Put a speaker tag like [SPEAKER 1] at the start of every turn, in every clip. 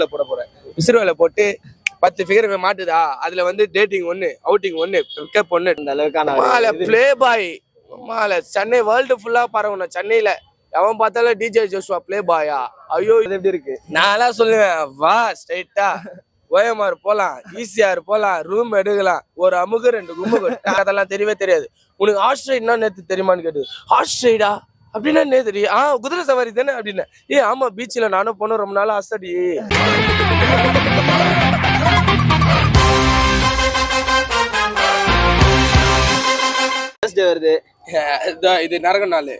[SPEAKER 1] போட போறேன். விசிறுவேல போட்டு 10 ஃபிகர் மாட்டுதா, அதுல வந்து டேட்டிங் 1, அவுட்டிங் 1, பிக்கப் 1.
[SPEAKER 2] இந்த அளவுக்கான
[SPEAKER 1] பிளே பாய் சென்னை வேர்ல்டு ஃபுல்லா பரவணும். சென்னையில எவன் பார்த்தாலும் டிஜே ஜோஷுவா பிளே பாயா. ஐயோ
[SPEAKER 2] இது எப்படி இருக்கு?
[SPEAKER 1] நான் சொல்லுவேன், வா ஸ்ட்ரைட்டா ஓஎம்ஆர் போலாம், ஈசிஆர் போலாம், ரூம் எடுக்கலாம், ஒரு அமுகு 2 குமுகு. அதெல்லாம் தெரியவே தெரியாது. உனக்கு ஹார்ஸ் ரைட்னா நேத்து தெரியுமான்னு கேட்டு, ஹார்ஸ் ரைடா அப்படின்னா நேத்து குதிரை சவாரி தானே அப்படின்னு. ஆமா பீச்ல நானும் போனோம், ரொம்ப நாள் ஆசடி.
[SPEAKER 2] வருது
[SPEAKER 1] இது நரக நாள்.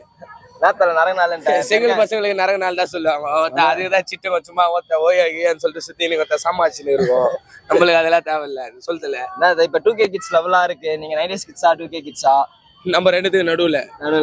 [SPEAKER 2] செங்கல்
[SPEAKER 1] பசங்களுக்கு நரக நாள் தான் சொல்லுவாங்க. அதுதான் சிட்டு சும்மா ஓய்யான்னு சொல்லிட்டு சுத்தி சமாளிச்சுன்னு இருக்கும். நம்மளுக்கு அதெல்லாம் தேவையில்ல சொல்லல.
[SPEAKER 2] இப்ப 2K கிட்ஸ் லெவலா இருக்கு. நீங்க 90s கிட்ஸா 2K கிட்ஸா?
[SPEAKER 1] நம்ம ரெண்டுத்துக்கு நடுவுல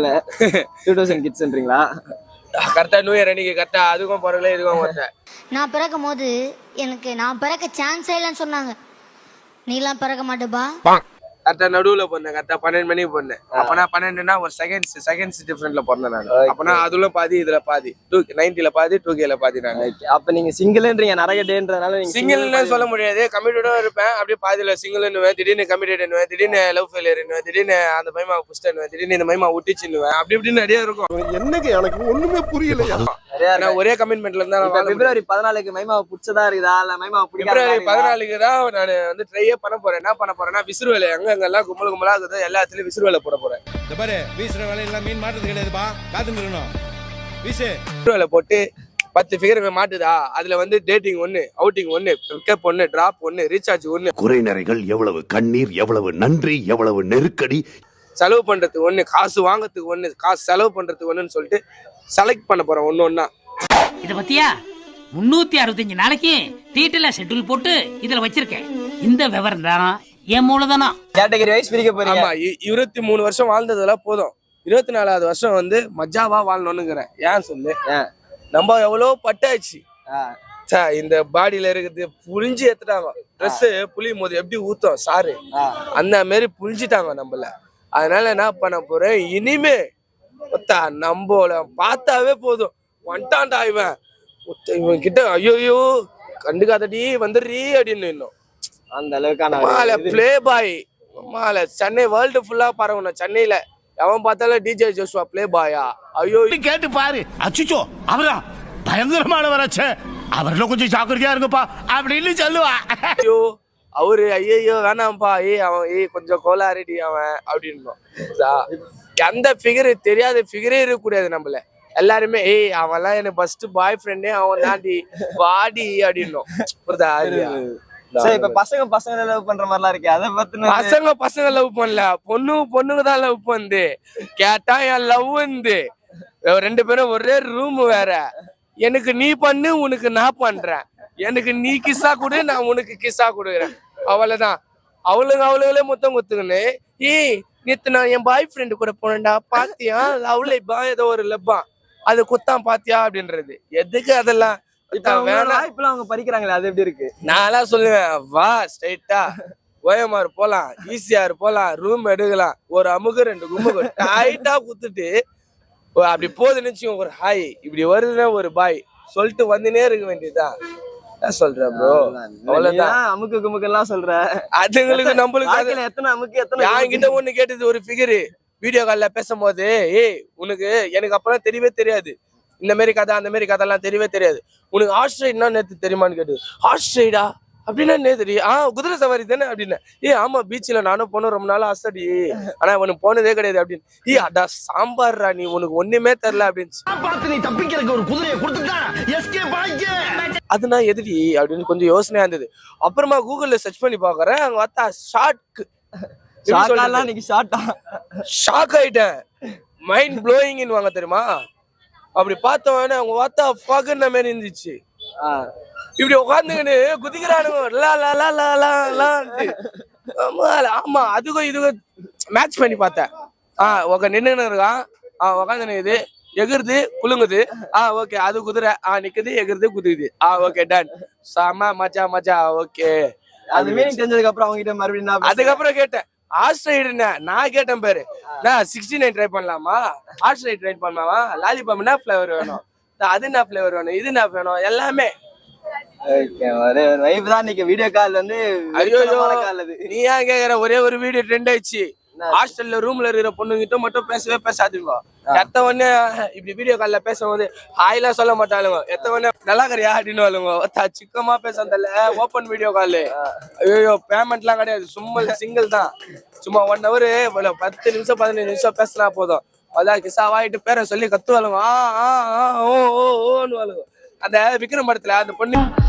[SPEAKER 2] 2000 கிட்ஸ்ன்றீங்களா?
[SPEAKER 1] கரெக்டா நியூ இயர் அன்னைக்கு கரெக்டா அதுக்கும் பிறகுல இதுக்கும் ஒருத்தன்.
[SPEAKER 3] நான் பிறக்கும் போது நான் பிறக்க சான்ஸே இல்லைன்னு சொன்னாங்க. நீலாம் பிறக்க மாட்டேப்பா.
[SPEAKER 1] கரெக்டா நடுவுல போனேன். கரெக்டா 12 மணிக்கு போனேன். அப்பனா 12னா ஒரு செகண்ட்ஸ் டிஃபரெண்ட்ல பிறந்தேன் நான். அப்பனா அதுல பாதி இதுல பாதி 90ல பாதி 2Kல பாதி நான்.
[SPEAKER 2] அப்ப நீங்க சிங்கிள்ன்றீங்க, நிறைய டேன்றதால நீங்க
[SPEAKER 1] சிங்கிள்னு சொல்ல முடியாது. கமிட்டடா இருப்பேன். அப்படியே பாதியில சிங்கிள்னுவேன், திடீர்னு கமிட்டடுவேன், திடீர்னு லவ் ஃபெயிலியர்னுவேன், திடீர்னு அந்த மைமா புஷ்டனுவேன், திடீர்னு இந்த மைமா ஒட்டிச்சுன்னுவேன். அப்படி இப்படின்னு நிறைய இருக்கும்.
[SPEAKER 4] என்னங்க எனக்கு ஒண்ணுமே புரியல.
[SPEAKER 1] நான் ஒரே கமிட்மெண்ட்ல இருந்தா
[SPEAKER 2] பிப்ரவரி 14க்கு மைமாவை பிடிச்சதா இருக்குதா இல்ல மைமாவை பிடிக்காதா?
[SPEAKER 1] பிப்ரவரி 14க்கு தான் நான் வந்து ட்ரையே பண்ண போறேன். என்ன பண்ண போறேன்னா விசிறுவேலை எங்கெல்லாம் கும்பலா இருக்குது எல்லாத்துலயும் விசிறுவேலை போட போறேன்.
[SPEAKER 4] இந்த பாரு வீசுற வேலையெல்லாம் மீன் மாட்டுறது கிடையாதுப்பா, காத்துட்டு இருக்கணும்.
[SPEAKER 1] விசிறுவேலை போட்டு 10 ஃபிகர் மாட்டுதா, அதுல வந்து dating 1, outing 1, pickup 1, drop 1, recharge 1.
[SPEAKER 5] குறை நிறைகள் எவ்வளவு, கண்ணீர் எவ்வளவு, நன்றி எவ்வளவு, நெருக்கடி,
[SPEAKER 1] செலவு பண்றதுக்கு 1, காசு வாங்கறதுக்கு 1, காசு செலவு பண்றதுக்கு 1ன்னு சொல்லிட்டு செலக்ட் பண்ண போறேன் ஒன்னொன்னா.
[SPEAKER 6] இத பத்தியா 365 நாளைக்கு டீட்டெயிலா ஷெட்யூல் போட்டு இதுல வச்சிருக்கேன். இந்த விவரம் தானா என் மூலதானா
[SPEAKER 2] கேட்டகரி வைஸ் பிரிக்க போறீங்க.
[SPEAKER 1] ஆமா 23 வருஷம் வாழ்ந்ததெல்லாம் போதும். 24வது வருஷம் வந்து மஜாவா வாழணும்னுங்கிறேன். ஏன் சொல்லு, நம்ம எவ்வளவு பட்டாச்சு. இந்த பாடியில இருக்குது புளிஞ்சு எடுத்துட்டாங்க. ட்ரெஸ் புளியும் போது எப்படி ஊத்தம் சாரு, அந்த மாதிரி புளிஞ்சிட்டாங்க நம்மள. அதனால என்ன பண்ண போறேன், இனிமே நம்மள பார்த்தாவே போதும் வந்துட்டான்டா இவன் கிட்ட, ஐயோ கண்டுக்காதடி வந்துடுறீ அப்படின்னு. இன்னும்
[SPEAKER 2] அந்த அளவுக்கான
[SPEAKER 1] பிளே பாய் சென்னை வேர்ல்டு ஃபுல்லா பரவணும். சென்னையில எவன் பார்த்தாலும் டிஜே ஜோஷுவா பிளே பாயா. ஐயோ
[SPEAKER 4] கேட்டு பாரு, அச்சுச்சோ அவரா பயங்கரமானவராச்சே, அவர்ல கொஞ்சம் ஜாக்கிரதையா இருங்கப்பா அப்படின்னு சொல்லுவா.
[SPEAKER 1] ஐயோ அவரு ஐயோ வேணாம்ப்பா, அவன் கொஞ்சம் கோளாறுடி அவன் அப்படின்னு. எந்த ஃபிகர் தெரியாத ஃபிகரே இருக்கக்கூடாது நம்மள. எல்லாருமே அவன்லாம் எனக்கு ஃபர்ஸ்ட் பாய் ஃப்ரெண்டே அவன் தாண்டி வாடி அப்படின்னும். புரியுதா?
[SPEAKER 2] இப்ப பசங்க லவ் பண்ற மாதிரிலாம் இருக்கு. அதை பத்தின
[SPEAKER 1] பசங்க லவ் பண்ணல, பொண்ணுங்க தான் லவ் பண்ணுது. கேட்டா என் லவ் வந்து 2 பேரும் ஒரே ரூம் வேற. எனக்கு நீ பண்ணு, உனக்கு நான் பண்றேன். எனக்கு நீ கிஸ்ஸா கொடு, நான் உனக்கு கிஸ்ஸா கொடுக்குறேன். அவ்வளவுதான். அவளுங்களே மொத்தம் குத்துக்குன்னு நேத்து நான் என் பாய் ஃப்ரெண்டு கூட போனேன்டா, பாத்தியா லவ்லைப்பா ஏதோ ஒரு லப்பா அது குத்தான் பாத்தியா அப்படின்றது. எதுக்கு அதெல்லாம்
[SPEAKER 2] இப்பெல்லாம் அவங்க படிக்கிறாங்களே, அது எப்படி இருக்கு?
[SPEAKER 1] நான் சொல்லுவேன், வா ஸ்ட்ரைட்டா ஓஎம்ஆர் போலாம், ஈசிஆர் போலாம், ரூம் எடுக்கலாம், ஒரு அமுகு 2 குமுகு டைட்டா குத்துட்டு அப்படி போதுன்னு வச்சுக்கோங்க. ஒரு ஹாய் இப்படி வருதுன்னா ஒரு பாய் சொல்லிட்டு வந்துனே இருக்க வேண்டியதுதான். சொல்றேன் ப்ரோ, அவ்வளவுதான்.
[SPEAKER 2] அமுக்கு குமுக்கு எல்லாம் சொல்ற
[SPEAKER 1] அதுங்களுக்கு நம்மளுக்கு
[SPEAKER 2] எத்தனை அமுக்கு எத்தனை.
[SPEAKER 1] என்கிட்ட ஒண்ணு கேட்டது ஒரு ஃபிகரு வீடியோ கால்ல பேசும்போது, உனக்கு எனக்கு அப்பெல்லாம் தெரியவே தெரியாது. இந்த மாதிரி கதை அந்த மாதிரி கதைலாம் தெரியவே தெரியாது. உனக்கு ஹார்ஸ் ரைட்னா நேத்து தெரியுமான்னு கேட்டு, ஹார்ஸ் ரைடா அப்படின்னா நேத்து குதிரை சவாரி தானே அப்படின்னு. ஆமா பீச்ல நானும் போனோம், ரொம்ப நாள் ஆசடி. ஆனா உனக்கு போனதே கிடையாது அப்படின்னு. அடா சாம்பார்ரா, நீ உனக்கு ஒண்ணுமே தெரியல அப்படின்னு.
[SPEAKER 4] நீ தப்பிக்கிறதுக்கு ஒரு குதிரையை கொடுத்துட்டா எஸ்கேப் ஆயிக்க.
[SPEAKER 1] அதுனா எதிரி அப்படின்னு கொஞ்சம் யோசனையா இருந்தது. அப்புறமா கூகுள்ல சர்ச் பண்ணி பாக்குறேன், அங்க பார்த்தா ஷாக் ஆயிட்டேன். மைண்ட் ப்ளோயிங் வாங்க தெரியுமா? அப்படி பார்த்தவன அவங்க பார்த்தா ஃபகன்ன மாதிரி இருந்துச்சு. இப்படி உட்காந்துக்கின்னு குதிக்கிறானுங்க. ஆமா அதுக்கும் இதுக்கும் மேட்ச் பண்ணி பார்த்தேன். நின்று இருக்கான், உட்காந்து இது எகுறுது குலுங்குது. ஓகே அது குதிரை நிக்குது, எகுறுது குதிக்குது. ஓகே டன், சாமா மச்சா ஓகே.
[SPEAKER 2] அது மீனிங் தெரிஞ்சதுக்கு அப்புறம் அவங்க கிட்ட மறுபடியும்
[SPEAKER 1] அதுக்கப்புறம் கேட்டேன், ஆஸ்ட்ரைடுன்னு நான் கேட்டேன் பேரு. நான் 69 ட்ரை பண்ணலாமா, ஆஸ்ட்ரைட் ட்ரை பண்ணலாமா, லாலிபாப் என்ன ஃபிளேவர் வேணும், அது என்ன ஃபிளேவர் வேணும், இது என்ன வேணும், எல்லாமே
[SPEAKER 2] ஒரே ஒரு வைப் தான் இன்னைக்கு வீடியோ கால் வந்து
[SPEAKER 1] ஐயோ
[SPEAKER 2] கால் அது.
[SPEAKER 1] நீ ஏன் கேக்குற? ஒரே ஒரு வீடியோ ட்ரெண்ட் ஆயிடுச்சு. ஹாஸ்டல்ல ரூம்ல இருக்கிற பொண்ணுகிட்ட மட்டும் பேசவே பேசாதீங்க. எத்த உடனே இப்படி வீடியோ கால்ல பேசும்போது ஹாய்லாம் சொல்ல மாட்டாளுங்க. எத்த உடனே நல்லா கறியா அப்படின்னு வாழுங்க. சிக்கமா பேசுறதில்ல ஓப்பன் வீடியோ கால். ஐயோ பேமெண்ட்லாம் கிடையாது, சும்மா சிங்கிள் தான். சும்மா 1 hour 10 நிமிஷம் 15 நிமிஷம் பேசினா போதும். அதான் கிசாவாயிட்டு பேரை சொல்லி கத்துவாளுங்க. ஓன்னு வாழுங்க. அந்த விக்ரம் படத்துல அந்த பொண்ணு